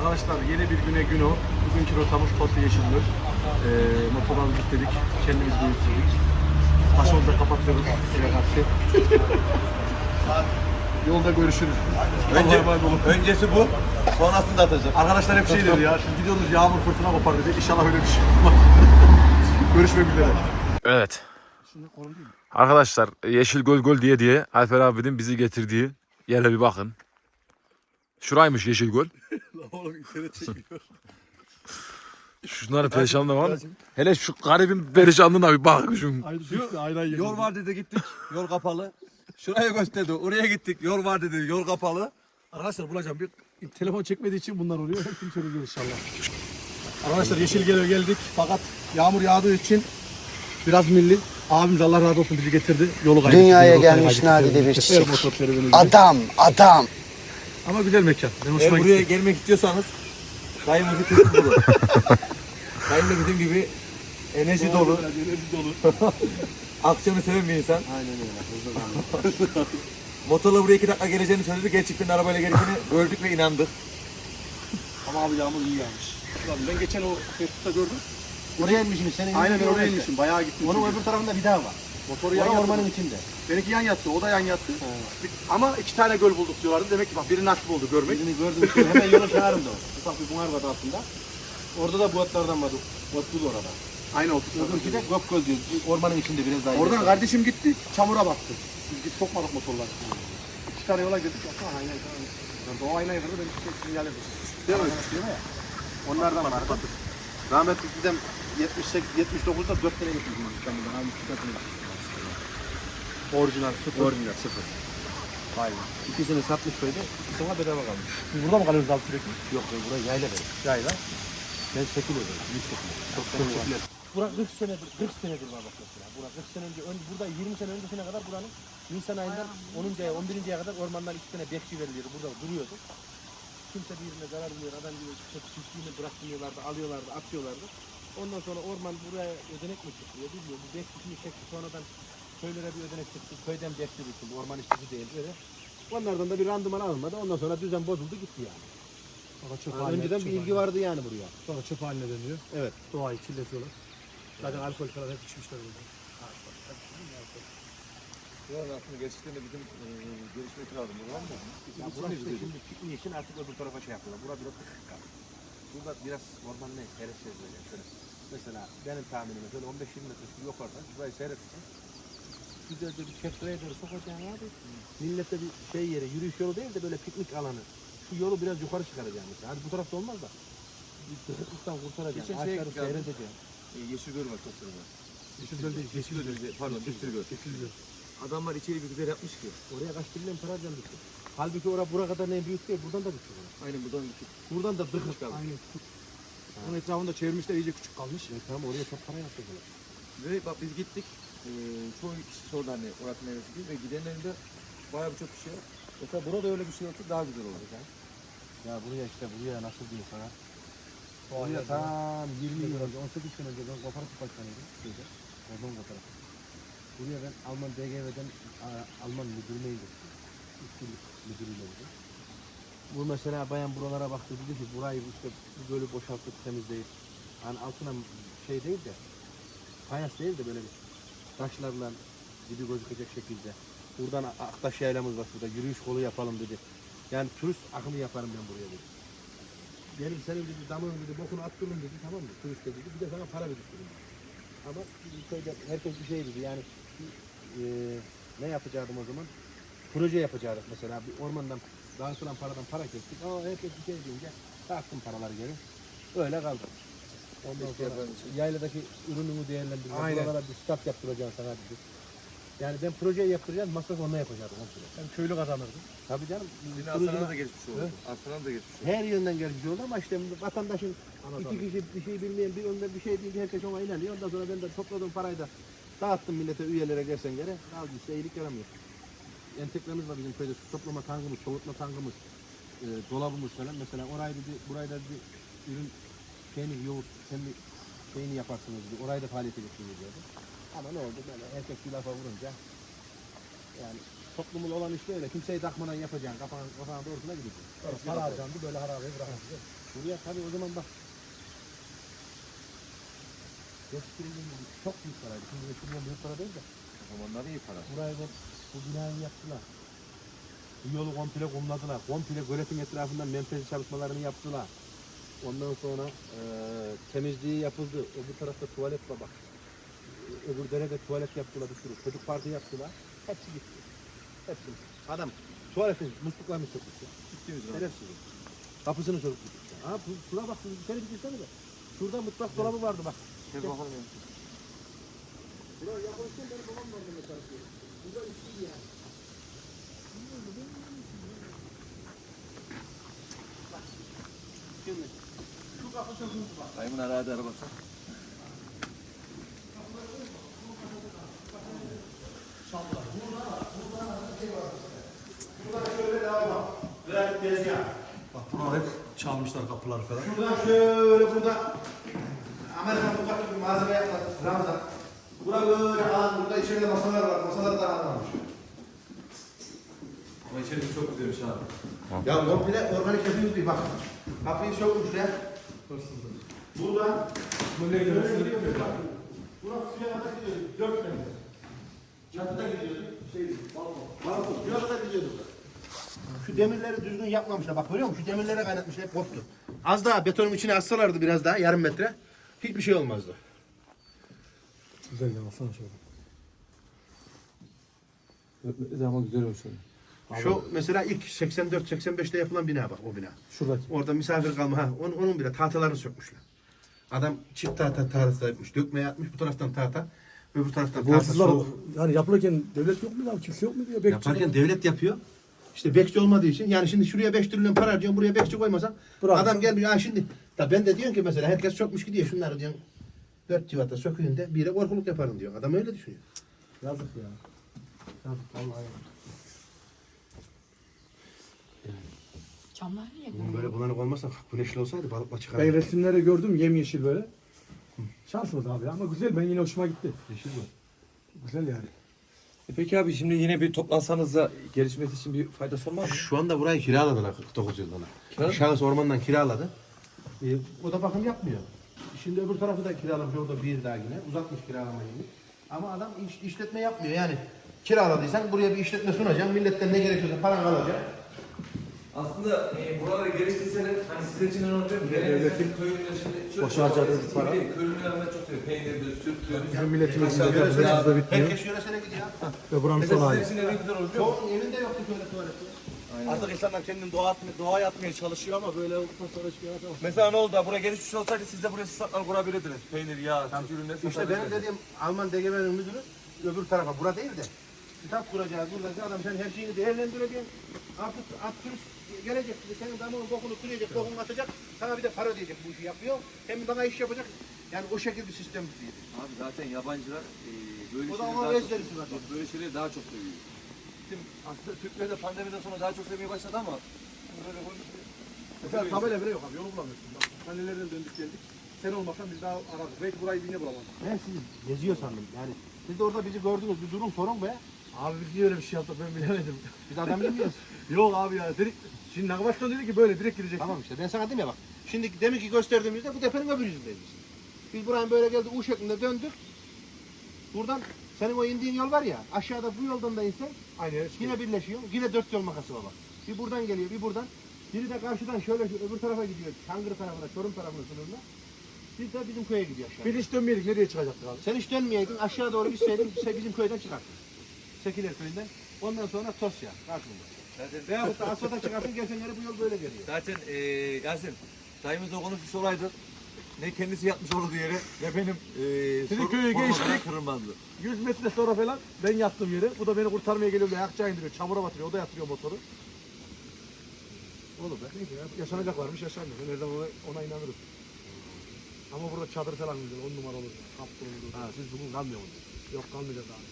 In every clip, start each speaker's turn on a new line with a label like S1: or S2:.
S1: Arkadaşlar yeni bir güne gün o. Bugünkü rotamız Totlu Yeşilgöl. Motorları yükledik, kendimiz de yükledik. Başımızda kapatıyoruz eve karşı. Yolda görüşürüz.
S2: Öncesi bu, sonrasını da atacak.
S1: Arkadaşlar hep şey dedi ya, şimdi gidiyoruz yağmur fırtına kopar dedi. İnşallah öyle bir şey olmaz. Görüşmek üzere.
S3: Evet. Arkadaşlar Yeşilgöl göl diye Alper abinin bizi getirdiği yere bir bakın. Şuraymış Yeşilgöl.
S1: Oğlum internet çekiyor.
S3: Şunların perişanlığı var mı? Hele şu garibin perişanlığına bir bak.
S2: Yol var dedi gittik, yol kapalı. Şuraya gösterdi, oraya gittik, yol var dedi, yol kapalı.
S1: Arkadaşlar bulacağım bir telefon çekmediği için bunlar oluyor. Hepsini çözeceğiz inşallah. Arkadaşlar Yeşilgöl'e geldik fakat yağmur yağdığı için biraz milli. Abimiz Allah razı olsun bizi getirdi. Yolu kaybettik.
S4: Dünyaya gelmiş nadide bir çiçek. Adam.
S1: Ama güzel mekan. Ben hoşuma
S2: Buraya
S1: gitti.
S2: gelmek istiyorsanız dayımızı kesin bulun. Dayım da bizim gibi enerji dolu, aksiyonu seven bir insan.
S1: Aynen öyle.
S2: Motorla buraya 2 dakika geleceğini söyledi. Gerçekten arabayla geleceğini gördük ve inandık.
S1: Ama abi yağmur iyi yağmış. Ulan ben geçen o Facebook'ta gördüm.
S4: Oraya inmişim senin.
S1: Aynen ben oraya inmişim. Bayağı gittim.
S4: Onun
S1: çünkü.
S4: öbür tarafında bir daha var.
S1: Motoru yan yattı.
S4: Ormanın içinde.
S1: Benimki yan yattı. O da yan yattı. Ama 2 tane göl bulduk diyorlardı. Demek ki bak biri nasip oldu görmek.
S4: Birini gördüm. Hemen yolun kenarında o. Ufak bir buhar vardı altında. Orada da buatlardan vardı. Buat bul orada.
S1: Aynı o.
S4: Öbürkü de Gökgöl diyor. Ormanın içinde biraz daha.
S1: Oradan
S4: ileride.
S1: kardeşim gitti. Çamura baktı. Biz git sokmadık motorları. 2 tane yola girdik. Aynen. O aynayı kırdı. Ben bir sinyal ettim. Değil mi?
S4: Onlardan var. Rahmetli dedem 79'da 4 tane getirdim İstanbul'dan. Abi 2 tane getirdim.
S1: Orijinal.
S4: Orijinal 0. Vay be. İkisini satmış böyle. İkisine bedava kalmış.
S1: Biz burada mı kalıyoruz abi sürekli?
S4: Yok buraya yayla verir.
S1: Yayla.
S4: Ben şekil öderim. Büyük şekil. Çok şekil.
S5: Bura 40 senedir var bak mesela. Bura 40 sene önce, burada 20 sene öncesine kadar buranın Nisan ayından 10. aya 11. aya kadar ormandan 2 tane bekçi veriliyordu. Burada duruyordu. Kimse birbirine zarar vermiyor. Adam gibi çiftliğini bıraktırıyorlardı, alıyorlardı, atıyorlardı. Ondan sonra orman buraya ödenek mi çıkıyor bilmiyorum. Bu bekçisini çekti sonradan köylere bir ödenek çıktı. Köyden bekçi bitti. Orman işçisi değil öyle. Onlardan da bir randıman alınmadı. Ondan sonra düzen bozuldu gitti yani. Önceden bir ilgi vardı yani buraya.
S1: Sonra çöp haline dönüyor.
S5: Evet.
S1: Doğayı kirletiyorlar. Zaten alkol falan hep içmişler burada.
S2: Buranın aslında gerçekten de bizim görüşmek lazım. Var mı?
S5: Ya burası işte şimdi pikniği için artık öbür tarafa şey yapıyorlar. Burada biraz tıkık kaldı. Burada biraz orman ne? Seyredeceğiz böyle. Şöyle. Mesela benim tahminime şöyle 15-20 metre şu yukarıdan şurayı seyredeceğim. Güzelce bir çevreye doğru sokacaksın abi. Millete bir şey yeri, yürüyüş yolu değil de böyle piknik alanı. Şu yolu biraz yukarı çıkaracağım mesela. Hadi bu tarafta olmaz da. Bir tıkıklıktan kurtaracaksın.
S2: Geçen şeye
S5: Ağaçları
S2: gittik abi.
S5: seyredeceksin.
S2: Yeşilgöl var, çok var.
S1: Yeşilgöl değil.
S2: Yeşilgöl, pardon, Yeşilgöl.
S1: Yeşilgöl.
S2: Adamlar içeri bir güzel yapmış ki.
S5: Oraya kaç trilyon para harcamıştır. Halbuki buraya kadar ne büyük değil, buradan da büyük.
S2: Aynen buradan gittik.
S5: Buradan da dıkmış kaldı.
S1: Aynen. Onun etrafında çevirmişler iyice küçük kalmış.
S5: Tamam oraya çok para yaptılar.
S2: Ve bak biz gittik. Çoğu kişi sordu hani orası neresi diye ve gidenlerin de bayağı birçok kişi var. Mesela burada öyle bir şey olsa daha güzel olur.
S5: Ya buraya nasıl diyeyim sana? Buraya tam 20 yıl önce, 18 sene önce ben kooperatif başkanıydım. Oradan kooperatif. Buraya ben Alman DGV'den Alman müdürüne gittim. 3 yıllık müdürüyle oldu. Bu mesela bayan buralara baktı dedi ki burayı işte bu gölü boşaltıp temizleyip hani altına şey değil de fayans değil de böyle bir taşlarla dibi gözükecek şekilde. Buradan Aktaş yaylamız var şurada yürüyüş kolu yapalım dedi. Yani turist akımı yaparım ben buraya dedi. Gelin senin dedi damın dedi bokunu attırın dedi tamam mı turist dedi bir de sana para verirsin. Ama köyde herkes bir şey dedi yani ne yapacaktım o zaman? Proje yapacaktık mesela bir ormandan dağıtılan paradan para kestik. Herkes bir şey deyince dağıttım paraları geri. Öyle kaldı. Ondan sonra yayladaki ürünümü değerlendirdim. Buralara bir stat yaptıracaksın sana dedi. Yani ben projeyi yaptıracağım, masraf onunla yapacaktım.
S1: Hem köylü kazanırdı.
S5: Tabii canım.
S2: Yine Aslan'a da geçmiş oldu. Aslan'a da geçmiş oldu.
S5: Her yönden gelmiş oldu ama işte vatandaşın iki kişi bir şey bilmeyen bir ondan bir şey deyince herkes ona inanıyor. Ondan sonra ben de topladığım parayı da dağıttım millete üyelere gelsen geri. Al işte iyilik yaramıyor. Entegremiz var bizim köyde su toplama tankımız, soğutma tankımız, dolabımız falan. Mesela orayı dedi, burayı da bir ürün şeyini yoğurt, kendi şeyini yaparsınız dedi. Orayı da faaliyete geçiriyor diyordu. Ama ne oldu böyle herkes bir lafa vurunca yani toplumul olan işte öyle. Kimseyi takmadan yapacaksın, kafana doğrusuna gideceksin.
S1: Para harcandı böyle harabeyi bırakmıştı.
S5: Buraya tabii o zaman bak. Çok büyük paraydı. Şimdi eskiden büyük para değil de.
S2: O zamanlar iyi para.
S5: Burayı bu binayı yaptılar. Bu yolu komple kumladılar. Komple göletin etrafından menfezi çalışmalarını yaptılar. Ondan sonra temizliği yapıldı. Öbür tarafta tuvalet var bak. Öbür derede tuvalet yaptılar bir sürü. Çocuk parkı yaptılar. Hepsi gitti. Hepsi. Adam tuvaletin musluklarını sökmüş.
S2: Gittiğimiz zaman.
S5: Şerefsiz. Kapısını sökmüş. Ha şuna bak. İçeri bir girsene de. Şurada mutfak dolabı vardı bak.
S2: Gel bakalım ya.
S5: Buraya yaklaşırken benim babam vardı mesela. Burada içiydi yani. Şimdi şu kapı söküldü bak.
S2: Dayımın aradı arabası.
S4: Biraz tezgah.
S1: Bak buralar hep çalmışlar kapıları falan.
S4: Buradan şöyle burada Amerikan mutfak gibi malzeme yapmadık. Ramazan. Bura böyle alan, burada içeride masalar var. Masalar da alanmış.
S2: Ama içerisi çok güzelmiş abi.
S4: Ya komple organik yapıyoruz diye bak. Kapıyı sökmüşler. Buradan böyle gidiyor bak. Bura suya kadar gidiyor. 4 metre. Çatıda gidiyordu. Balkon. Suya kadar gidiyordu. Şu demirleri düzgün yapmamışlar. Bak görüyor musun? Şu demirlere kaynatmışlar. Hep koptu. Az daha betonun içine assalardı biraz daha. Yarım metre. Hiçbir şey olmazdı.
S1: Güzel ya alsana şöyle.
S2: Ama güzel olmuş öyle.
S4: Şu mesela ilk 84-85'te yapılan bina bak o bina.
S1: Şuradaki.
S4: Orada misafir kalma. Ha, onun bile tahtalarını sökmüşler. Adam çift tahta yapmış. Dökmeye atmış. Bu taraftan tahta. Öbür taraftan
S1: Bu
S4: tahta.
S1: hırsızlar
S4: soğuk.
S1: yani yapılırken devlet yok mu ya? Kimse yok mu diyor. Bekçi
S4: Yaparken devlet yapıyor. İşte bekçi olmadığı için yani şimdi şuraya 5 trilyon para harcıyorsun buraya bekçi koymasan
S1: Bravo.
S4: adam gelmiyor. Ha şimdi da ben de diyorum ki mesela herkes sökmüş gidiyor şunları diyorsun 4 civata söküyün de bire korkuluk yaparım diyor. Adam öyle düşünüyor.
S1: yazık ya. Yazık vallahi.
S6: Camlar niye
S4: Bunun böyle bulanık olmasa güneşli olsaydı balıkla çıkar.
S1: Ben resimleri gördüm yemyeşil böyle. Şansımız abi ama güzel ben yine hoşuma gitti.
S2: Yeşil mi?
S1: Güzel yani.
S2: Peki abi şimdi yine bir toplansanız da gelişmesi için bir faydası olmaz mı?
S4: Şu anda burayı kiraladılar 49 yıldan.
S2: Kiraladı?
S4: Şahıs ormandan kiraladı. O da bakım yapmıyor. Şimdi öbür tarafı da kiralamış orada bir daha yine. Uzatmış kiralamayı. Ama adam işletme yapmıyor yani. Kiraladıysan buraya bir işletme sunacaksın. Milletten ne gerekiyorsa paran alacak.
S2: Aslında buralara geliştirseler hani sizin için önemli değil mi?
S1: Devletin
S2: Köylüler şimdi
S1: boşa harcadığı para.
S2: Köylüler ben çok seviyorum. Peynirdir, süttür.
S1: Bizim milletimizin de
S4: Aşağı
S1: yapısı
S4: yöresine-
S1: da bitmiyor.
S4: Herkes yöresine gidiyor.
S1: Ve buranın son
S2: Mesela
S1: hali.
S2: sizin için de ne güzel olur biliyor musun?
S4: Çoğunun evinde yoktu böyle tuvaleti.
S1: Artık insanlar kendini doğaya atmaya çalışıyor ama böyle olduktan sonra hiçbir yere atamaz.
S2: Mesela ne oldu da buraya gelişmiş olsaydı siz de buraya sistemler kurabilirdiniz. Peynir, yağ, süt ürünleri
S4: İşte benim
S2: satabilirdiniz.
S4: dediğim Alman DGB'nin müdürü öbür tarafa, bura değil de kitap kuracağız, burada adam sen her şeyini değerlendireceksin. Artık turist gelecek, senin damının bokunu kıracak, bokunu atacak, sana bir de para ödeyecek bu işi yapıyor. Hem bana iş yapacak, yani o şekilde bir sistem değil.
S2: Abi zaten yabancılar böyle
S4: O da
S2: şeyleri
S4: ona
S2: daha çok,
S4: ezberisi zaten.
S2: böyle şeyleri daha çok seviyor. Bizim aslında Türkler de pandemiden sonra daha çok sevmeye başladı ama böyle
S1: Mesela tabela bile yok abi yolu bulamıyorsun. Bak nelerden döndük geldik. Sen olmasan biz daha arardık. Belki burayı yine bulamazdık.
S4: Ben sizi geziyor sandım yani. Siz de orada bizi gördünüz, bir durun sorun be.
S1: Abi biz niye öyle bir şey yaptık ben bilemedim.
S4: Biz adam bilmiyoruz.
S1: Yok abi ya. Dedik, şimdi Nakbaşkan dedi ki böyle direkt gireceksin.
S4: Tamam işte ben sana dedim ya bak. Şimdi demin ki gösterdiğimizde bu tepenin öbür yüzündeyiz biz. Biz buraya böyle geldik U şeklinde döndük. Buradan senin o indiğin yol var ya aşağıda bu yoldan da insen
S1: Aynı yere çıkıyor.
S4: yine birleşiyor. Yine 4 yol makası var bak. Bir buradan geliyor bir buradan. Biri de karşıdan şöyle öbür tarafa gidiyor. Çangır tarafına, Çorum tarafına sınırında. Bir de bizim köye gidiyor aşağı.
S1: Biz hiç dönmeyedik. Nereye çıkacaktık abi?
S4: Sen hiç dönmeyeydin aşağı doğru gitseydin bizim köyden çıkarsın. Sekiler köyünden. Ondan sonra Tosya karşımda. Veyahut da Asfalt'a çıkarsın gelsen yere bu yol böyle geliyor.
S2: zaten Yasin dayımızla konuşmuş olaydı. Ne kendisi yatmış olurdu yere ne benim
S1: Sizin köyü geçtik.
S2: kırılmazdı.
S1: 100 metre sonra falan ben yattım yere. Bu da beni kurtarmaya geliyor. Ayakçağı indiriyor. Çamura batırıyor. O da yatırıyor motoru. Olur be. Neyse ya. Yaşanacaklarmış yaşanmıyor. Ben her zaman ona inanırım. Ama burada çadır falan güzel. 10 numara olur. Kaptı olur.
S4: Ha siz bugün kalmıyor musunuz?
S1: Yok kalmayacağız abi.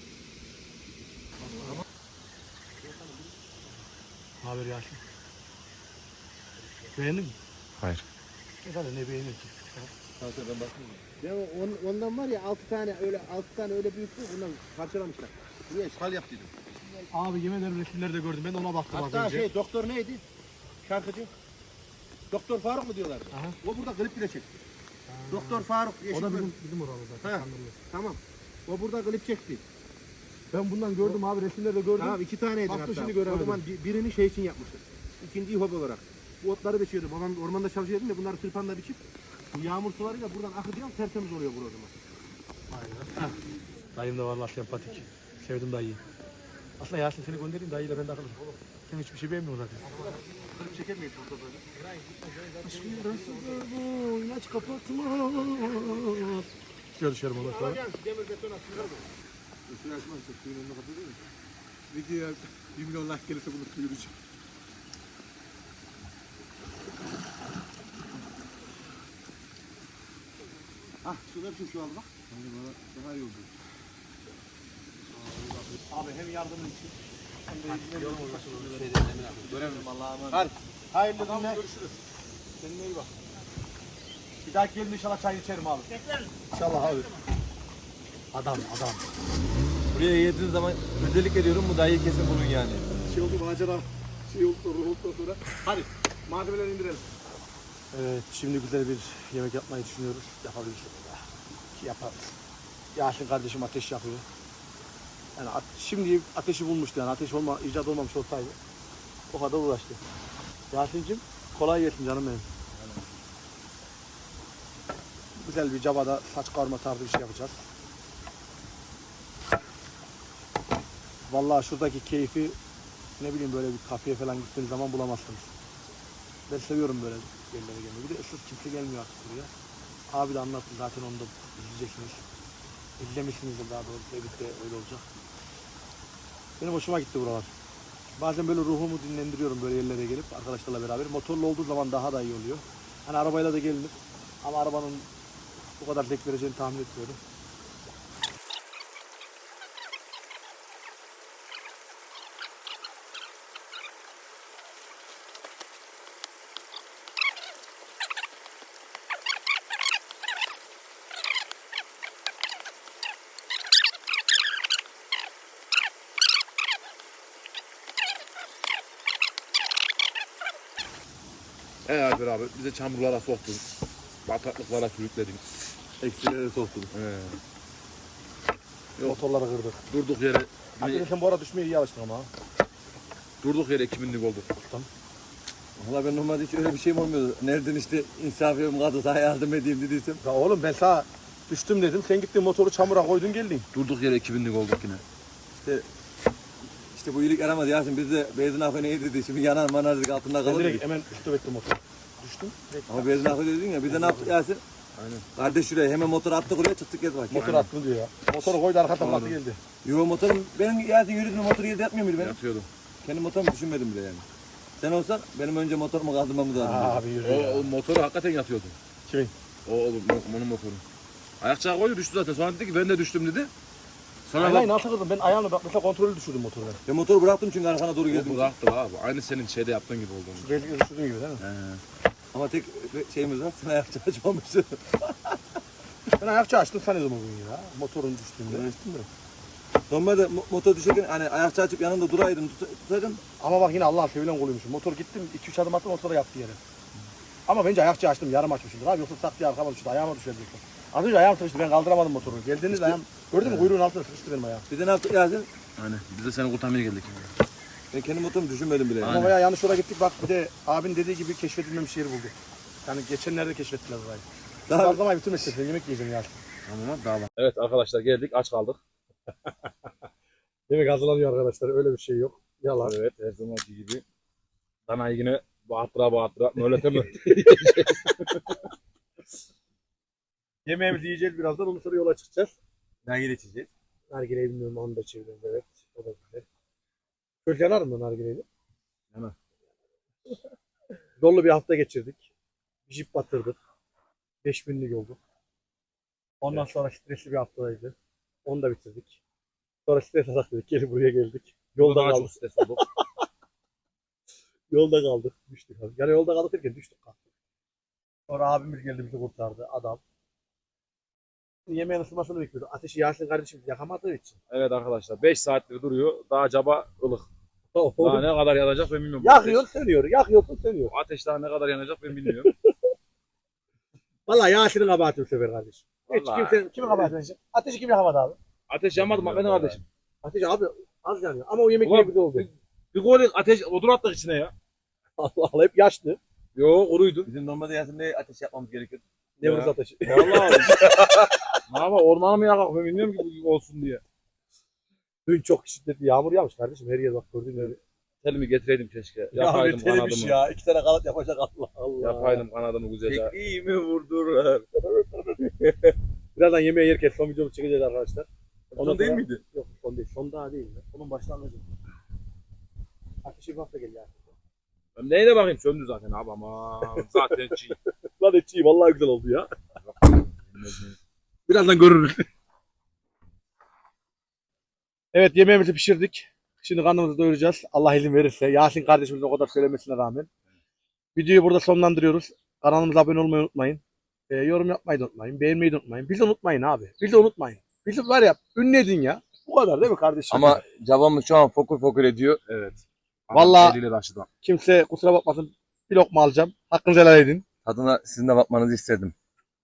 S1: Ne haber Yasin? Beğendin mi?
S3: Hayır.
S1: Efendim ne beğenir ki?
S4: Ya ondan var ya 6 tane öyle büyük değil ondan parçalamışlar. Niye ishal yaptıydım.
S1: Abi yemin ederim resimlerde gördüm. Ben de ona baktım az
S4: Hatta
S1: önce.
S4: doktor neydi? Şarkıcı. Doktor Faruk mu diyorlar?
S5: Aha.
S4: O burada klip bile çekti. Doktor Faruk.
S1: O
S4: Yeşil
S1: da
S4: Göl.
S1: bizim oralı zaten.
S4: Ha.
S1: Kandırıyor.
S4: Tamam. O burada klip çekti.
S1: Ben bundan gördüm abi, resimlerde gördüm.
S4: Tamam 2 taneydi
S1: Baktım
S4: hatta.
S1: şimdi göremedim.
S4: O zaman birini şey için yapmıştır. İkinciyi hobi olarak. Bu otları biçiyordu. Babam ormanda çalışıyordum ya bunları tırpanla biçip bu yağmur sularıyla buradan akıtıyor tertemiz oluyor bu o zaman.
S1: Dayım da vallahi sempatik. Sevdim dayıyı. Aslında Yasin seni göndereyim, dayıyla ben de akıllı. Sen hiçbir şey beğenmiyorsun zaten.
S4: Klip çeker miyiz burada böyle?
S1: Aşkım yarasıdır bu, ilaç kapatma. Dışarı dışarı bana sonra.
S4: Demir beton atıyor.
S1: Üstüne açmaz, suyun önüne kapatıyor mu? Videoya 1 milyon like gelirse bunu duyuracağım.
S4: Hah şurada bir şu aldı bak.
S1: Daha iyi oldu.
S4: Abi hem yardımın için hem de yorum
S2: Görevim Allah'a emanet.
S4: Hadi. Hayırlı günler.
S1: Görüşürüz.
S4: Kendine iyi bak. Bir dahaki gelin inşallah çay içerim abi.
S1: İnşallah abi. Adam.
S2: Buraya yediğiniz zaman özellikle diyorum bu dayıyı kesin bulun yani.
S1: Şey oldu, macera şey oldu, ruh oldu sonra.
S4: Hadi malzemeleri indirelim.
S1: Evet, şimdi güzel bir yemek yapmayı düşünüyoruz. Yapabiliriz. Ki yaparız. Yasin kardeşim ateş yakıyor. Yani şimdi ateşi bulmuştu yani. Ateş icat olmamış olsaydı o kadar uğraştı. Yasin'cim kolay gelsin canım benim. Güzel bir cabada saç karma tarzı bir şey yapacağız. Vallahi şuradaki keyfi ne bileyim böyle bir kafeye falan gittiğiniz zaman bulamazsınız. Ben seviyorum böyle yerlere gelmeyi. Bir de ıssız kimse gelmiyor artık buraya. Abi de anlattı zaten, onu da izleyeceksiniz. İzlemişsinizdir daha doğrusu. Edit'te öyle olacak. Benim hoşuma gitti buralar. Bazen böyle ruhumu dinlendiriyorum böyle yerlere gelip arkadaşlarla beraber. Motorlu olduğu zaman daha da iyi oluyor. Hani arabayla da gelinir. Ama arabanın bu kadar zevk vereceğini tahmin etmiyorum.
S3: Alper abi bize çamurlara soktun. Bataklıklara sürükledin.
S1: Eksilere soktum.
S3: Yok.
S1: Motorları kırdık.
S3: Durduk yere
S1: Arkadaşlar bu arada düşmeye iyi alıştın ama.
S3: durduk yere 2000'lik olduk.
S2: Valla ben normalde hiç öyle bir şeyim olmuyordu. Nereden işte insaf ediyorum kadın sana yardım edeyim dediysem.
S1: Ya oğlum ben sana düştüm dedim. Sen gittin motoru çamura koydun geldin.
S3: Durduk yere 2000'lik olduk yine.
S2: İşte bu iyilik yaramadı Yasin biz de benzin akı neydi dedi. Şimdi yanar manar dedik altında
S1: Ben
S2: kalır
S1: direkt
S2: dedik.
S1: hemen stop ettim motoru. Düştüm. Direkt
S2: Ama benzin akı dedin ya biz de ne yaptık Yasin?
S3: Aynen.
S2: Kardeş şuraya hemen motoru attık oraya çıktık geldik bak.
S1: motor attım diyor ya. Motoru koydu arka tabakta geldi.
S2: Yo motorum ben Yasin yürüdüm motoru yerde yapmıyor muydu ben?
S3: Yatıyordum.
S2: Kendi motorumu düşünmedim bile yani. Sen olsan benim önce motorumu kaldırmamız lazım.
S1: Abi yürü ya.
S3: O motoru hakikaten yatıyordum.
S1: Kimin?
S3: Onun motoru. Ayakçağı koydu düştü zaten. Sonra dedi ki ben de düştüm dedi. Sonra
S1: Aynen nasıl kırdım? Ben ayağımla bak mesela kontrolü düşürdüm motoru ben.
S2: Ben motoru bıraktım çünkü arkana doğru geldim.
S3: bu bıraktı abi. Aynı senin şeyde yaptığın gibi oldu.
S1: Şu belki düşürdüğün gibi değil mi?
S2: Ama tek şeyimiz var sen ayakçı açmamışsın.
S1: Ben ayakçı açtım sanıyordum o gün ya. Motorun düştüğünde.
S2: Normalde motor düşerken hani ayakçı açıp yanında duraydın tutaydın.
S1: Ama bak yine Allah'ın sevilen koluymuşum. Motor gittim 2-3 adım attım motora yattı yere. Ama bence ayakçı açtım yarım açmışımdır abi. Yoksa tak diye arkama düştü ayağıma düşerdi. Az önce ayağım sıkıştı ben kaldıramadım motoru. Geldiğiniz ayağım gördün mü kuyruğun altına sıkıştı benim ayağım.
S2: Bir de ne yaptık Yasin?
S3: Aynen. Biz de seni kurtarmaya geldik.
S2: Ben kendi motorumu düşünmedim bile.
S1: Ama bayağı yanlış yola gittik bak bir de abin dediği gibi keşfedilmemiş yeri bulduk. Yani geçenlerde keşfettiler burayı.
S2: Daha
S1: Fazlamayı bitirmesin yemek yiyeceğim ya.
S3: Tamam daha var. Evet arkadaşlar geldik aç kaldık.
S1: Yemek hazırlanıyor arkadaşlar öyle bir şey yok. Yalan.
S3: Evet her zamanki gibi. Danayı yine bağırtıra mölete mi?
S1: Yemeğimizi yiyeceğiz birazdan ondan sonra yola çıkacağız.
S2: nereye geçeceğiz?
S1: Nargileyi bilmiyorum onu da çeviriyoruz evet. O da güzel. Şöyle yanar mı nargileyi?
S3: Yanar.
S1: Dolu bir hafta geçirdik. Jip batırdık. 5000'lik olduk. Ondan sonra stresli bir haftaydı. Onu da bitirdik. Sonra stres atak dedik. Geri buraya geldik. Yolda
S3: Daha
S1: kaldık.
S3: çok stres olduk.
S1: Yolda kaldık. Düştük. Yani yolda kaldık derken düştük kalktık. Sonra abimiz geldi bizi kurtardı. Adam. Yemeğin ısınmasını bekliyordu. Ateşi Yasin kardeşim yakamadığı için.
S3: Evet arkadaşlar 5 saattir duruyor. Daha caba ılık. Daha ne kadar yanacak ben bilmiyorum.
S1: Yakıyor sönüyor. Yakıyorsun sönüyor.
S3: O ateş daha ne kadar yanacak ben bilmiyorum.
S1: Vallahi Yasin'in kabahati bu sefer kardeşim. Hiç
S3: Vallahi.
S1: kimsenin kimin kabahati? Ateşi kim yakamadı abi?
S3: Ateş yanmadı bak benim kardeşim.
S1: Ateş abi az yanıyor. Ama o yemek
S3: Ulan,
S1: ne güzel oldu.
S3: Bir gol ateş odun attık içine ya.
S1: Allah Allah hep yaşlı.
S3: Yo kuruydu.
S2: Bizim normalde Yasin'de ateş yapmamız gerekiyor.
S1: Ne vuruz ateşi.
S3: Vallahi. Ne yapalım ormanı mı yakak ben bilmiyorum ki bu gibi olsun diye.
S1: Dün çok şiddetli yağmur yağmış kardeşim. Her yer bak gördüğün gibi.
S3: Telimi getireydim keşke. Yapaydım kanadımı.
S1: ya. 2 tane kanat yapacak Allah Allah.
S3: Yapaydım kanadımı güzelce.
S2: Tekniğimi vurdurlar.
S1: Birazdan yemeğe yerken son videomu çekeceğiz arkadaşlar.
S2: Son değil miydi?
S1: Yok son değil. Son daha değil. Sonun başlangıcı. Ateşi bir hafta geliyor.
S3: Ben neyine bakayım söndü zaten abi ama zaten çiğ.
S1: Lan etçi vallahi güzel oldu ya. Birazdan görürüz. Evet yemeğimizi pişirdik. Şimdi karnımızı doyuracağız. Allah izin verirse. Yasin kardeşimizin o kadar söylemesine rağmen. Videoyu burada sonlandırıyoruz. Kanalımıza abone olmayı unutmayın. Yorum yapmayı da unutmayın. Beğenmeyi de unutmayın. Bizi unutmayın abi. Bizi unutmayın. Bizi var ya ünlü edin ya. Bu kadar değil mi kardeşim?
S2: Ama cabamız şu an fokur fokur ediyor.
S3: Evet.
S1: Vallahi-
S3: Eliyle taşıdı.
S1: Kimse kusura bakmasın. Bir lokma alacağım. Hakkınızı helal edin.
S2: Tadına sizin de bakmanızı istedim.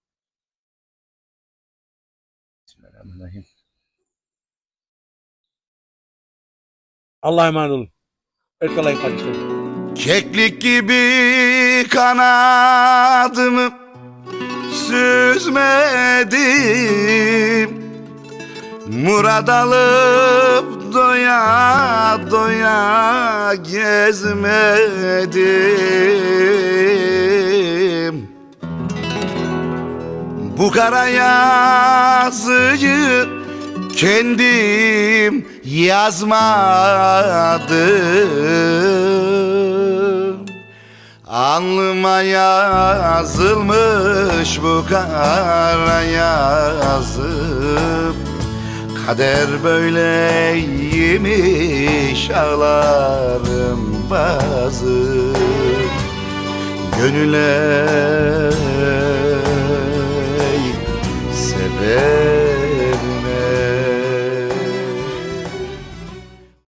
S2: Bismillahirrahmanirrahim.
S1: Allah'a emanet olun. Erkalayın kardeşlerim.
S4: Keklik gibi kanadımı süzmedim, murad alıp doya doya gezmedim. Bu kara yazıyı kendim yazmadım. Alnıma yazılmış bu kara yazım. Kader böyleymiş ağlarım bazı. Gönüle sebep